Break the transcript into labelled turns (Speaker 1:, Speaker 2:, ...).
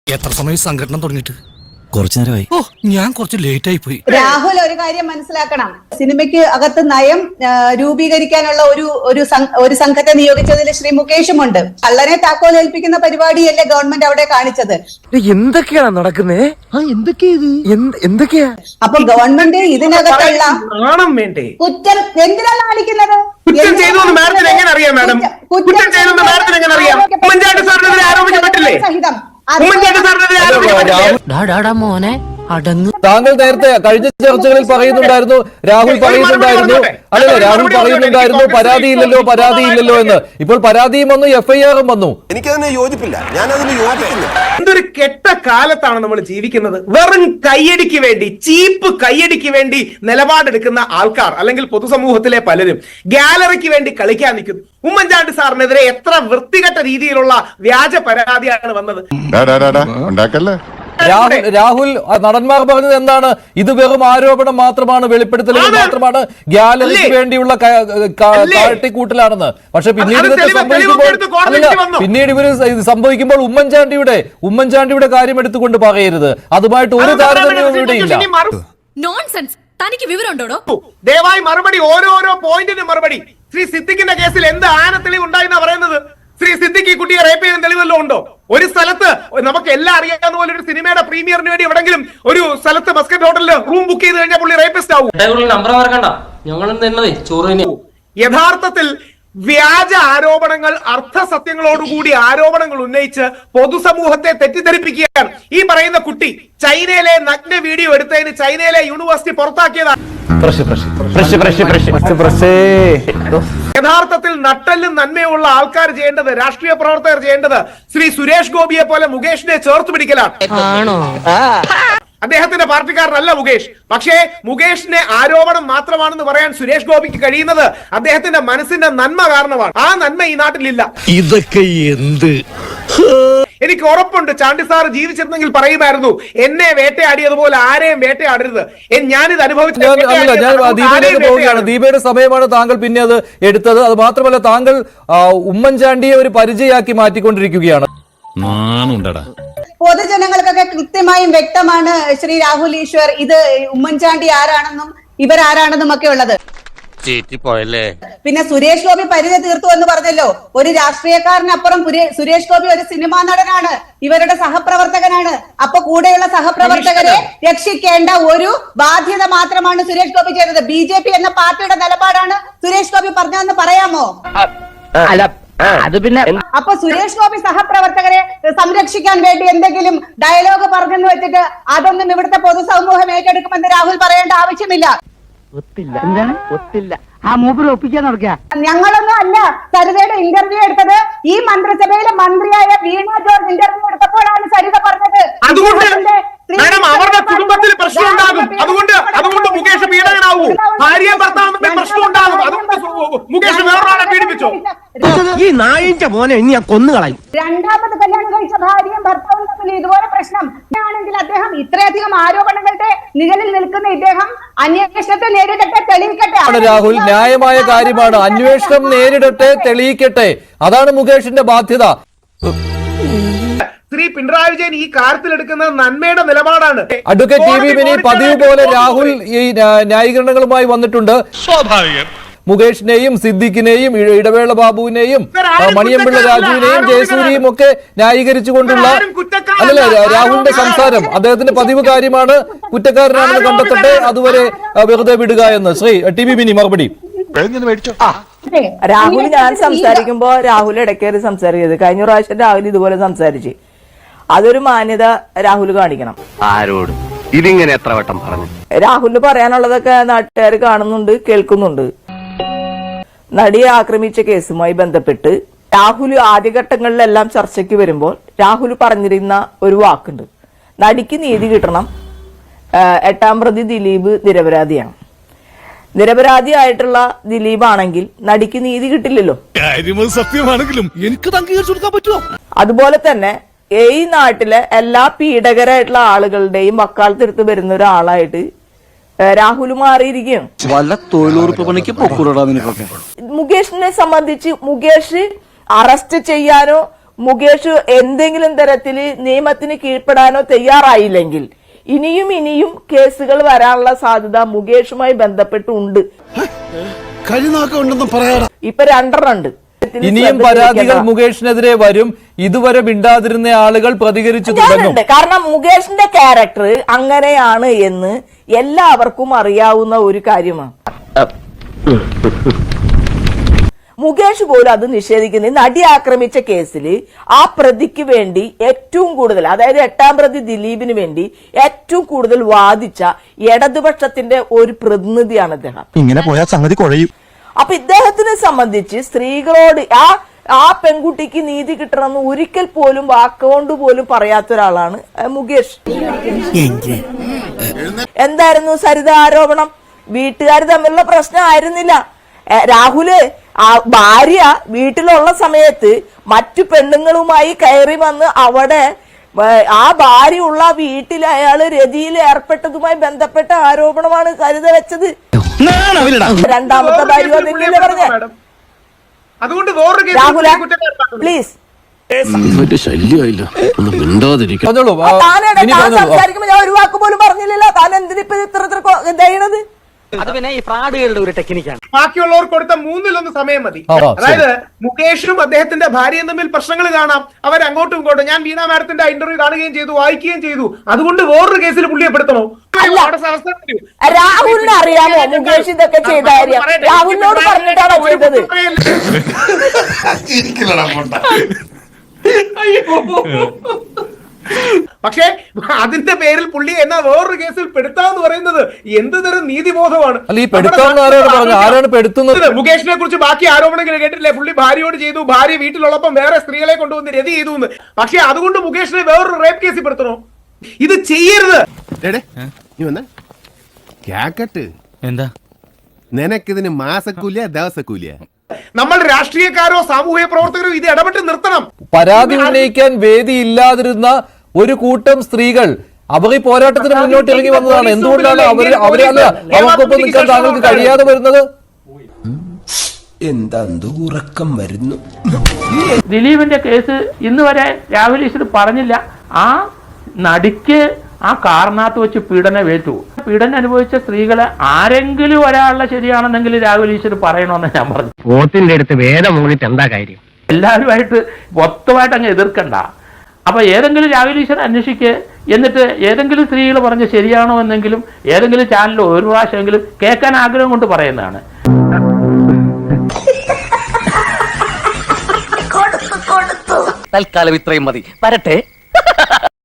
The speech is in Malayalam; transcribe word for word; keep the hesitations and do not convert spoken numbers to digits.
Speaker 1: എത്ര സമയം സംഘടന തുടങ്ങിയിട്ട്?
Speaker 2: കുറച്ചു നേരമായി.
Speaker 1: ഓ, ഞാൻ കുറച്ച് ലേറ്റ് ആയി പോയി.
Speaker 3: രാഹുൽ ഒരു കാര്യം മനസ്സിലാക്കണം, സിനിമയ്ക്ക് അകത്ത് നയം രൂപീകരിക്കാനുള്ള ഒരു ഒരു ഒരു സംഘത്തെ നിയോഗിച്ചതിൽ ശ്രീ മുകേഷും ഉണ്ട്. കള്ളനെ താക്കോൽ ഏൽപ്പിക്കുന്ന പരിപാടിയല്ലേ ഗവൺമെന്റ് അവിടെ കാണിച്ചത്?
Speaker 4: എന്തൊക്കെയാണ് നടക്കുന്നേ? എന്തൊക്കെയാ?
Speaker 3: അപ്പൊ ഗവൺമെന്റ് ഇതിനകത്തുള്ള കുറ്റം എന്തിനാണ് കാണിക്കുന്നത്?
Speaker 5: കുറ്റം ചെയ്തു എന്ന് മാഡത്തിന് എങ്ങനെ അറിയാം മാഡം? കുറ്റം ചെയ്തു എന്ന് മാഡത്തിന് എങ്ങനെ അറിയാം? ഉമ്മൻചാണ്ടി സാറിനെതിരെ ആരോപിക്കപ്പെട്ടില്ലേ? ഉമ്മൻചാണ്ടി സാറിനെതിരെ ആരോപിക്കപ്പെട്ടില്ലേ?
Speaker 6: മോനെ അടങ്ങ്.
Speaker 7: താങ്കൾ നേരത്തെ കഴിഞ്ഞ ചർച്ചകളിൽ പറയുന്നുണ്ടായിരുന്നു, രാഹുൽ പറയുന്നുണ്ടായിരുന്നു, അല്ലല്ല രാഹുൽ പറയുന്നുണ്ടായിരുന്നു പരാതിയില്ലല്ലോ പരാതിയില്ലല്ലോ എന്ന്. ഇപ്പോൾ പരാതിയും വന്നു, എഫ്ഐആറും വന്നു.
Speaker 8: എനിക്കതിനെ യോജിപ്പില്ല, ഞാൻ അതിന് യോജിപ്പില്ല.
Speaker 5: എന്തൊരു കെട്ട കാലത്താണ് നമ്മൾ ജീവിക്കുന്നത്. വെറും കയ്യടിക്ക് വേണ്ടി, ചീപ്പ് കയ്യടിക്ക് വേണ്ടി നിലപാടെടുക്കുന്ന ആൾക്കാർ അല്ലെങ്കിൽ പൊതുസമൂഹത്തിലെ പലരും ഗാലറിക്ക് വേണ്ടി കളിക്കാൻ നിൽക്കുന്നു. ഉമ്മൻചാണ്ടി സാറിനെതിരെ എത്ര വൃത്തികെട്ട രീതിയിലുള്ള വ്യാജ പരാതിയാണ് വന്നത്.
Speaker 7: രാഹുൽ രാഹുൽ നടന്മാർ പറഞ്ഞത് എന്താണ്? ഇത് വെറും ആരോപണം മാത്രമാണ്, വെളിപ്പെടുത്തലുകൾ മാത്രമാണ്, ഗാലറിക്ക് വേണ്ടിയുള്ള കാട്ടിക്കൂട്ടലാണെന്ന്. പക്ഷെ പിന്നീട് ഇതൊക്കെ സംഭവിക്കുമ്പോൾ അല്ല പിന്നീട് ഇവര് സംഭവിക്കുമ്പോൾ ഉമ്മൻചാണ്ടിയുടെ ഉമ്മൻചാണ്ടിയുടെ കാര്യം എടുത്തുകൊണ്ട് പറയരുത്. അതുമായിട്ട് ഒരു താരതമ്യവും ഇവിടെ ഇല്ല.
Speaker 6: തനിക്ക് വിവരമുണ്ടോ?
Speaker 5: ദയവായി മറുപടി, ഓരോരോ പോയിന്റിന് മറുപടി. ശ്രീ സിദ്ദിഖിന്റെ കേസിൽ എന്ത് ആനത്തെളിവ് ഉണ്ടായെന്നാ പറയുന്നത്? ശ്രീ സിദ്ദിഖ് ഈ കുട്ടിയെ റേപ്പ് ചെയ്യുന്ന തെളിവല്ലോ ഉണ്ടോ? ഒരു സ്ഥലത്ത് നമുക്ക് എല്ലാം അറിയാവുന്ന പോലെ ഒരു സിനിമയുടെ പ്രീമിയറിന് വേണ്ടി എവിടെങ്കിലും ഒരു സ്ഥലത്ത് ബസ്കറ്റ് ഹോട്ടലിൽ റൂം ബുക്ക് ചെയ്ത് കഴിഞ്ഞാൽ പുള്ളി റേപ്പിസ്റ്റ് ആവും. യഥാർത്ഥത്തിൽ വ്യാജ ആരോപണങ്ങൾ, അർത്ഥസത്യങ്ങളോടുകൂടി ആരോപണങ്ങൾ ഉന്നയിച്ച് പൊതുസമൂഹത്തെ തെറ്റിദ്ധരിപ്പിക്കുകയാണ്. ഈ പറയുന്ന കുട്ടി ചൈനയിലെ നഗ്ന വീഡിയോ എടുത്തതിന് ചൈനയിലെ യൂണിവേഴ്സിറ്റി പുറത്താക്കിയതാണ്. യഥാർത്ഥത്തിൽ നട്ടല്ലും നന്മയുള്ള ആൾക്കാർ ചെയ്യേണ്ടത്, രാഷ്ട്രീയ പ്രവർത്തകർ ചെയ്യേണ്ടത് ശ്രീ സുരേഷ് ഗോപിയെ പോലെ മുകേഷിനെ ചേർത്ത് പിടിക്കലാണ്. അദ്ദേഹത്തിന്റെ പാർട്ടിക്കാരനല്ല മുകേഷ്. പക്ഷേ മുകേഷിനെ ആരോപണം മാത്രമാണെന്ന് പറയാൻ സുരേഷ് ഗോപിക്ക് കഴിയുന്നത് അദ്ദേഹത്തിന്റെ മനസ്സിന്റെ നന്മ കാരണമാണ്. ആ നന്മ ഈ നാട്ടിലില്ല.
Speaker 1: ഇതൊക്കെ എന്ത്?
Speaker 5: എനിക്ക് ഉറപ്പുണ്ട് ചാണ്ടി സാർ ജീവിച്ചിരുന്നെങ്കിൽ പറയുമായിരുന്നു, എന്നെ വേട്ടയാടിയതുപോലെ ആരെയും വേട്ടയാടരുത്. ഞാനിത് അനുഭവിച്ചു.
Speaker 7: പോവുകയാണ്. ദീപയുടെ സമയമാണ് താങ്കൾ പിന്നെ അത് എടുത്തത്. അത് മാത്രമല്ല, താങ്കൾ ഉമ്മൻചാണ്ടിയെ ഒരു പരിചയാക്കി മാറ്റിക്കൊണ്ടിരിക്കുകയാണ്.
Speaker 3: പൊതുജനങ്ങൾക്കൊക്കെ കൃത്യമായും വ്യക്തമാണ് ശ്രീ രാഹുൽ ഈശ്വർ ഇത് ഉമ്മൻചാണ്ടി ആരാണെന്നും ഇവരാരാണെന്നും ഒക്കെ ഉള്ളത്. പിന്നെ സുരേഷ് ഗോപി പരിധി തീർത്തു എന്ന് പറഞ്ഞല്ലോ. ഒരു രാഷ്ട്രീയക്കാരനപ്പുറം സുരേഷ് ഗോപി ഒരു സിനിമാ നടനാണ്, ഇവരുടെ സഹപ്രവർത്തകനാണ്. അപ്പൊ കൂടെയുള്ള സഹപ്രവർത്തകരെ രക്ഷിക്കേണ്ട ഒരു ബാധ്യത മാത്രമാണ് സുരേഷ് ഗോപി ചെയ്തത്. ബി ജെ പി എന്ന പാർട്ടിയുടെ നിലപാടാണ് സുരേഷ് ഗോപി പറഞ്ഞതെന്ന് പറയാമോ?
Speaker 4: അത് പിന്നെ
Speaker 3: അപ്പൊ സുരേഷ് ഗോപി സഹപ്രവർത്തകരെ സംരക്ഷിക്കാൻ വേണ്ടി എന്തെങ്കിലും ഡയലോഗ് പറഞ്ഞെന്ന് വെച്ചിട്ട് അതൊന്നും ഇവിടുത്തെ പൊതുസമൂഹം ഏറ്റെടുക്കുമെന്ന് രാഹുൽ പറയേണ്ട ആവശ്യമില്ല.
Speaker 4: എന്താണ് ഒത്തില്ല ആ മൂപ്പര് ഒപ്പിക്കാൻ നടക്കുക.
Speaker 3: ഞങ്ങളൊന്നും അല്ല സരിതയുടെ ഇന്റർവ്യൂ എടുത്തത്. ഈ മന്ത്രിസഭയിലെ മന്ത്രിയായ വീണ ജോർജ് ഇന്റർവ്യൂ എടുത്തപ്പോഴാണ് സരിത പറഞ്ഞത്
Speaker 5: അവരുടെ കുടുംബത്തിൽ പ്രശ്നം ഉണ്ടാകും, അതുകൊണ്ട് അതുകൊണ്ട് മുകേഷ് പീഡകനാവൂ, ഭാര്യ ഭർത്താവ് പ്രശ്നം ഉണ്ടാകും, അതുകൊണ്ട് മുകേഷ് വേറൊരാളെ പീഡിപ്പിച്ചോ?
Speaker 4: ഈ നായിന്റെ മോനെ ഇനി ഞാൻ കൊന്നുകളയും.
Speaker 3: രണ്ടാമത് കല്യാണം കഴിച്ച ഭാര്യയും ഭർത്താവും തമ്മിൽ ഇതുപോലെ പ്രശ്നം ആണെങ്കിൽ അദ്ദേഹം ഇത്രയധികം ആരോപണങ്ങളുടെ നിഴലിൽ നിൽക്കുന്ന ഇദ്ദേഹം അന്വേഷണത്തെ നേരിടട്ടെ, തെളിയിക്കട്ടെ.
Speaker 7: രാഹുൽ, ന്യായമായ കാര്യമാണ്. അന്വേഷണം നേരിടട്ടെ, തെളിയിക്കട്ടെ. അതാണ് മുകേഷിന്റെ ബാധ്യത.
Speaker 5: ശ്രീ പിണറായി വിജയൻ ഈ കാര്യത്തിൽ എടുക്കുന്നത് നന്മയുടെ നിലപാടാണ്.
Speaker 7: അഡ്വക്കേറ്റ് ടി വി മിനി പതിവ് പോലെ രാഹുൽ ഈ ന്യായീകരണങ്ങളുമായി വന്നിട്ടുണ്ട്.
Speaker 1: സ്വാഭാവികം.
Speaker 7: മുകേഷിനെയും സിദ്ദിഖിനെയും ഇടവേള ബാബുവിനെയും മണിയമ്പിള്ള രാജുവിനെയും ജയസൂരിയും ഒക്കെ ന്യായീകരിച്ചുകൊണ്ടുള്ള അല്ലല്ല രാഹുലിന്റെ സംസാരം അദ്ദേഹത്തിന്റെ പതിവ് കാര്യമാണ്. കുറ്റക്കാരനാണെന്ന് കണ്ടെത്തട്ടെ, അതുവരെ വെറുതെ വിടുക എന്ന്. ശ്രീ ടി വി മിനി മറുപടി.
Speaker 9: രാഹുൽ ഞാൻ സംസാരിക്കുമ്പോ രാഹുൽ ഇടയ്ക്കേറി സംസാരിക്കരുത്. കഴിഞ്ഞ പ്രാവശ്യം രാഹുൽ ഇതുപോലെ സംസാരിച്ച് അതൊരു മാന്യത രാഹുൽ കാണിക്കണം.
Speaker 4: ആരോട് ഇതിങ്ങനെ എത്ര വട്ടം പറഞ്ഞു?
Speaker 9: രാഹുലിന് പറയാനുള്ളതൊക്കെ നാട്ടുകാർ കാണുന്നുണ്ട്, കേൾക്കുന്നുണ്ട്. നടിയെ ആക്രമിച്ച കേസുമായി ബന്ധപ്പെട്ട് രാഹുൽ ആദ്യഘട്ടങ്ങളിലെല്ലാം ചർച്ചയ്ക്ക് വരുമ്പോൾ രാഹുൽ പറഞ്ഞിരുന്ന ഒരു വാക്കുണ്ട്, നടിക്ക് നീതി കിട്ടണം, എട്ടാം പ്രതി ദിലീപ് നിരപരാധിയാണ്. നിരപരാധിയായിട്ടുള്ള ദിലീപ് ആണെങ്കിൽ നടിക്ക് നീതി കിട്ടില്ലല്ലോ.
Speaker 1: സത്യമാണെങ്കിലും എനിക്ക് അംഗീകരിച്ചു കൊടുക്കാൻ പറ്റുമോ?
Speaker 9: അതുപോലെ തന്നെ ഈ നാട്ടിലെ എല്ലാ പീഡകരായിട്ടുള്ള ആളുകളുടെയും വക്കാലത്തെടുത്ത് വരുന്ന ഒരാളായിട്ട് രാഹുൽ മാറിയിരിക്കുകയാണ്.
Speaker 2: വല്ല തൊഴിലുറപ്പ് പണിക്ക് പൊക്കൂടാ.
Speaker 9: മുകേഷിനെ സംബന്ധിച്ച് മുകേഷ് അറസ്റ്റ് ചെയ്യാനോ മുകേഷ് എന്തെങ്കിലും തരത്തിൽ നിയമത്തിന് കീഴ്പ്പെടാനോ തയ്യാറായില്ലെങ്കിൽ ഇനിയും ഇനിയും കേസുകൾ വരാനുള്ള സാധ്യത മുകേഷുമായി ബന്ധപ്പെട്ടുണ്ട്.
Speaker 1: കഴിനാക്കുണ്ടെന്ന് പറയാടാ.
Speaker 9: ഇപ്പൊ രണ്ടെണ്ണം ഉണ്ട്.
Speaker 7: ഇനിയും പരാതികൾ മുകേഷിനെതിരെ വരും. ഇതുവരെ മിണ്ടാതിരുന്ന ആളുകൾ പ്രതികരിച്ചു തുടങ്ങും.
Speaker 9: കാരണം മുകേഷിന്റെ ക്യാരക്ടർ അങ്ങനെയാണ് എന്ന് എല്ലാവർക്കും അറിയാവുന്ന ഒരു കാര്യമാണ്. മുകേഷ് പോലും അത് നിഷേധിക്കുന്നത്. നടി ആക്രമിച്ച കേസിൽ ആ പ്രതിക്ക് വേണ്ടി ഏറ്റവും കൂടുതൽ, അതായത് എട്ടാം പ്രതി ദിലീപിന് വേണ്ടി ഏറ്റവും കൂടുതൽ വാദിച്ച ഇടതുപക്ഷത്തിന്റെ ഒരു പ്രതിനിധിയാണ് അദ്ദേഹം.
Speaker 2: ഇങ്ങനെ പോയാൽ സംഗതി കുഴയും.
Speaker 9: അപ്പൊ ഇദ്ദേഹത്തിനെ സംബന്ധിച്ച് സ്ത്രീകളോട് ആ ആ പെൺകുട്ടിക്ക് നീതി കിട്ടണമെന്ന് ഒരിക്കൽ പോലും വാക്കുകൊണ്ട് പോലും പറയാത്ത ഒരാളാണ് മുകേഷ്. എന്തായിരുന്നു സരിത ആരോപണം? വീട്ടുകാർ തമ്മിലുള്ള പ്രശ്നം ആയിരുന്നില്ല. രാഹുല് ആ ഭാര്യ വീട്ടിലുള്ള സമയത്ത് മറ്റു പെണ്ണുങ്ങളുമായി കയറി വന്ന് അവിടെ ആ ഭാര്യയുള്ള വീട്ടിൽ അയാള് രതിയിൽ ഏർപ്പെട്ടതുമായി ബന്ധപ്പെട്ട ആരോപണമാണ് സരിത വെച്ചത്. രണ്ടാമത്തെ ഭാര്യ അതല്ലേ പറഞ്ഞ?
Speaker 5: അതുകൊണ്ട്
Speaker 9: രാഹുല പ്ലീസ്
Speaker 7: പറഞ്ഞോളൂ.
Speaker 9: സംസാരിക്കുമ്പോ ഞാൻ ഒരു വാക്ക് പോലും പറഞ്ഞില്ലല്ലോ. താൻ എന്തിനിപ്പോ ഇത്ര ഇത്ര ദയണത്?
Speaker 4: അത് പിന്നെ ഈ ഫ്രോഡുകളുടെ ഒരു ടെക്നിക്കാണ്.
Speaker 5: ബാക്കിയുള്ളവർക്ക് കൊടുത്ത മൂന്നിലൊന്ന് സമയം മതി. അതായത് മുകേഷും അദ്ദേഹത്തിന്റെ ഭാര്യയും തമ്മിൽ പ്രശ്നങ്ങൾ കാണാം. അവർ അങ്ങോട്ടും ഇങ്ങോട്ടും. ഞാൻ വീണ മാഡത്തിന്റെ ഇന്റർവ്യൂ കാണുകയും ചെയ്തു, വായിക്കുകയും ചെയ്തു. അതുകൊണ്ട് വേറൊരു കേസിൽ പുള്ളിയെ പെടുത്തണോ?
Speaker 9: രാഹുലിനെ അറിയാമോ മുകേഷ് ഇതൊക്കെ ചെയ്ത കാര്യം? രാഹുലിനോട് പറഞ്ഞിട്ടാണോ ചെയ്തത്?
Speaker 5: പക്ഷേ അതിന്റെ പേരിൽ പുള്ളി എന്നാ വേറൊരു കേസിൽ പെടുത്താന്ന് പറയുന്നത് എന്ത് തരം നീതിബോധമാണ്? മുകേഷിനെ കുറിച്ച് ബാക്കി ആരോപണങ്ങൾ കേട്ടില്ലേ? പുള്ളി ഭാര്യയോട് ചെയ്തു, ഭാര്യ വീട്ടിലുള്ളപ്പം വേറെ സ്ത്രീകളെ കൊണ്ടുവന്ന് രതി ചെയ്തു എന്ന്. പക്ഷെ അതുകൊണ്ട് മുകേഷിനെ വേറൊരു റേപ്പ് കേസിൽ പെടുത്തണോ? ഇത് ചെയ്യരുത്.
Speaker 1: എന്താ
Speaker 8: നിനക്കിതിന് മാസക്കൂലിയ ദിവസക്കൂലിയ?
Speaker 5: നമ്മൾ രാഷ്ട്രീയക്കാരോ സാമൂഹ്യ പ്രവർത്തകരോ ഇത് ഇടപെട്ട് നിർത്തണം.
Speaker 7: പരാതി ഉന്നയിക്കാൻ വേദി ഇല്ലാതിരുന്ന ഒരു കൂട്ടം സ്ത്രീകൾ അവർ ഈ പോരാട്ടത്തിന് മുന്നോട്ട് ഇറങ്ങി വന്നതാണ്. എന്തുകൊണ്ടാണ് അവർ അവരല്ല അവർക്കൊപ്പം നിൽക്കാൻ താങ്കൾക്ക് കഴിയാതെ വരുന്നത്?
Speaker 8: എന്താ ഉറക്കം വരുന്നു.
Speaker 4: ദിലീപിന്റെ കേസ് ഇന്ന് വരെ രാഹുൽ ഈശ്വർ പറഞ്ഞില്ല. ആ നടിക്ക് ആ കാറിനകത്ത് വെച്ച് പീഡനം ഏറ്റു. പീഡനം അനുഭവിച്ച സ്ത്രീകളെ ആരെങ്കിലും ഒരാളുടെ ശരിയാണെന്നെങ്കിൽ രാഹുൽ ഈശ്വർ പറയണമെന്ന് ഞാൻ പറഞ്ഞു.
Speaker 10: പോത്തിന്റെ അടുത്ത് വേദം മൂന്നിട്ട് എന്താ കാര്യം?
Speaker 4: എല്ലാവരുമായിട്ട് മൊത്തമായിട്ട് അങ്ങ് എതിർക്കണ്ട. അപ്പൊ ഏതെങ്കിലും രാഹുൽ ഈശ്വർ അന്വേഷിക്കുക. എന്നിട്ട് ഏതെങ്കിലും സ്ത്രീകൾ പറഞ്ഞ ശരിയാണോ എന്നെങ്കിലും ഏതെങ്കിലും ചാനലിൽ ഒരു പ്രാവശ്യമെങ്കിലും കേൾക്കാൻ ആഗ്രഹം കൊണ്ട് പറയുന്നതാണ്.
Speaker 10: തൽക്കാലം ഇത്രയും മതി. വരട്ടെ.